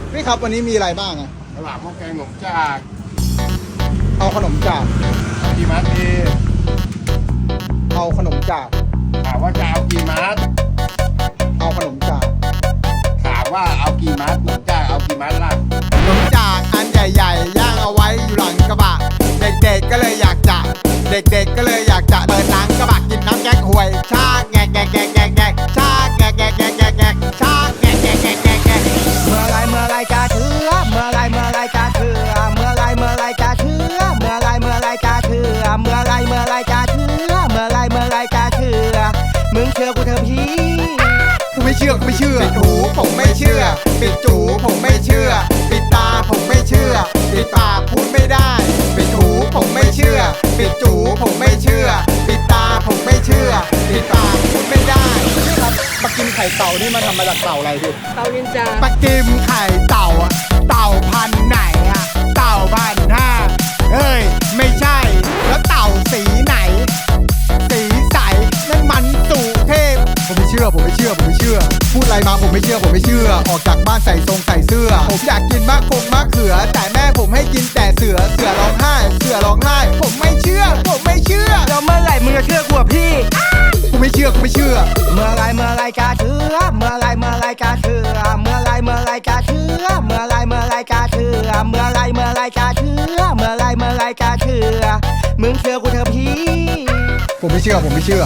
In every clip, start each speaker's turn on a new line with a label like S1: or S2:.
S1: พี่ครับวันนี้มีอะไรบ้างอะ
S2: ตลาดหม้อแกงหนมจาก
S1: เอาขนมจาก
S2: กี่มัดดี
S1: เอาขนมจาก
S2: ถามว่าจะเอากี่มัด
S1: เอาขนมจาก
S2: ถามว่าเอากี่มัดหนมจากเอากี่มัดล่ะ
S1: ขนมจากอันใหญ่ๆย่างเอาไว้อยู่หลังกระบะเด็กๆก็เลยอยากจะเด็กๆก็เลยอยากจะเดินหลังกระบะกินน้ำแกงห่วยชาแงกแงกแงกแงกแงกชาแงกแงกแงกแงกแงกชาแงกแงกแงกแงกแงก
S3: เมื่อไรจะเชื่อเมื่อไรจะเชื่อเมื่อไรจะเชื่อเมื่อไรจะเชื่อเมื่อไรจะเชื่อเมื่อไรจะเชื่อมึงเชื่อกูเถอะพี่
S1: กูไม่เชื่อปิดหูผมไม่เชื่อปิดจูผมไม่เชื่อปิดตาผมไม่เชื่อปิดปากพูดไม่ได้ปิดหูผมไม่เชื่อปิดจูผมไม่เชื่อปิดตาผมไม่เชื่อปิดปากพูดไม่ได้พี่ครับปักกิมไข่เต่านี่มันทำมาจากเต่าอะไรพี่
S4: เตานินจา
S1: ปักกิมไข่เต่าอะเต่าพันธุ์ไหนอะเต่า1,500เฮ้ยไม่ใช่แล้วเต่าสีไหน สีใสนั่นมันสู่เทพผมไม่เชื่อพูดอะไรมาผมไม่เชื่อออกจากบ้านใส่ทรงใส่เสื้อผมอยากกินมะเขือแต่แม่ผมให้กินแต่เสือร้องไห้ผมไม่เชื่อ
S3: แล้วเมื่อไหร่มึงจะเชื่อกูอะพี่
S1: กูไม่เชื่อ
S3: เมื่อไรจะเชื่อเมื่อไรจะเชื่อเมื่อไรจะเชื่อเมื่อไรจะเชื่อเมื่อไรจะเชื่อเมื่อไรจะเชื่อมึงเชื่อกูเถอะพี่
S1: ผมไม่เชื่อ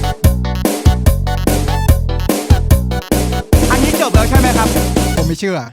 S3: อันนี้จบแล้วใช่ไหมครับ
S1: ผมไม่เชื่อ